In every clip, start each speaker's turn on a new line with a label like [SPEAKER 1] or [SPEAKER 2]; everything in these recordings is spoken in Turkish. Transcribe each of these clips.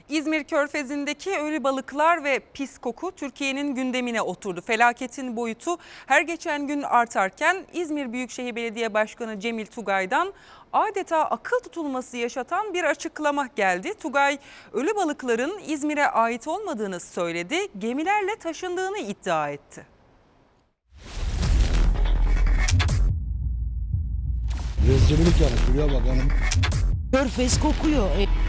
[SPEAKER 1] İzmir Körfezi'ndeki ölü balıklar ve pis koku Türkiye'nin gündemine oturdu. Felaketin boyutu her geçen gün artarken İzmir Büyükşehir Belediye Başkanı Cemil Tugay'dan adeta akıl tutulması yaşatan bir açıklama geldi. Tugay ölü balıkların İzmir'e ait olmadığını söyledi, gemilerle taşındığını iddia etti.
[SPEAKER 2] Rezillik yani, şuraya bak hanım.
[SPEAKER 3] Körfez kokuyor.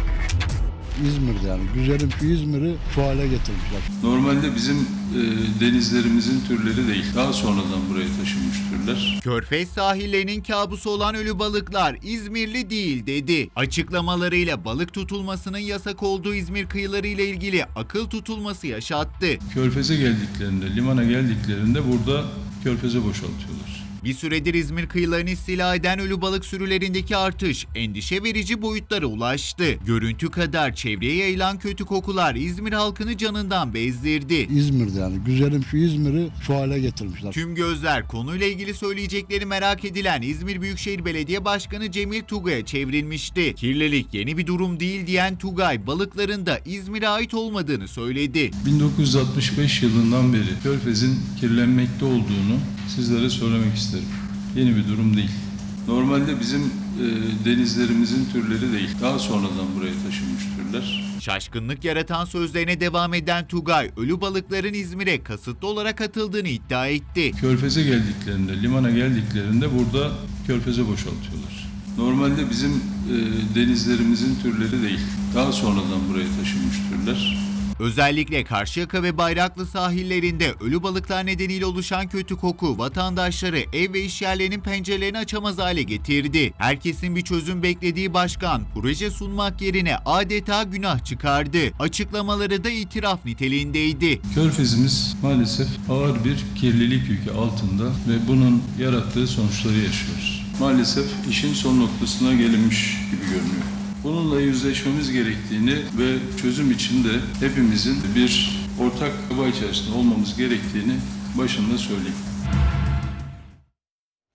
[SPEAKER 2] İzmir'de yani güzelim şu İzmir'i şu hale getirmişler.
[SPEAKER 4] Normalde bizim denizlerimizin türleri değil. Daha sonradan buraya taşınmış türler.
[SPEAKER 5] Körfez sahillerinin kabusu olan ölü balıklar İzmirli değil dedi. Açıklamalarıyla balık tutulmasının yasak olduğu İzmir kıyıları ile ilgili akıl tutulması yaşattı.
[SPEAKER 4] Körfez'e geldiklerinde, limana geldiklerinde burada körfeze boşaltıyorlar.
[SPEAKER 5] Bir süredir İzmir kıyılarını istila eden ölü balık sürülerindeki artış endişe verici boyutlara ulaştı. Görüntü kadar çevreye yayılan kötü kokular İzmir halkını canından bezdirdi.
[SPEAKER 2] İzmir'de yani güzelim şu İzmir'i şu hale getirmişler.
[SPEAKER 5] Tüm gözler konuyla ilgili söyleyecekleri merak edilen İzmir Büyükşehir Belediye Başkanı Cemil Tugay'a çevrilmişti. Kirlilik yeni bir durum değil diyen Tugay, balıkların da İzmir'e ait olmadığını söyledi.
[SPEAKER 4] 1965 yılından beri Körfez'in kirlenmekte olduğunu sizlere söylemek isterim. Yeni bir durum değil. Normalde bizim denizlerimizin türleri değil. Daha sonradan buraya taşınmış türler.
[SPEAKER 5] Şaşkınlık yaratan sözlerine devam eden Tugay, ölü balıkların İzmir'e kasıtlı olarak atıldığını iddia etti.
[SPEAKER 4] Körfez'e geldiklerinde, limana geldiklerinde burada körfeze boşaltıyorlar. Normalde bizim denizlerimizin türleri değil. Daha sonradan buraya taşınmış türler.
[SPEAKER 5] Özellikle Karşıyaka ve Bayraklı sahillerinde ölü balıklar nedeniyle oluşan kötü koku vatandaşları ev ve iş yerlerinin pencerelerini açamaz hale getirdi. Herkesin bir çözüm beklediği başkan proje sunmak yerine adeta günah çıkardı. Açıklamaları da itiraf niteliğindeydi.
[SPEAKER 4] Körfezimiz maalesef ağır bir kirlilik yükü altında ve bunun yarattığı sonuçları yaşıyoruz. Maalesef işin son noktasına gelinmiş gibi görünüyor. Bununla yüzleşmemiz gerektiğini ve çözüm için de hepimizin bir ortak çaba içerisinde olmamız gerektiğini başında söyleyeyim.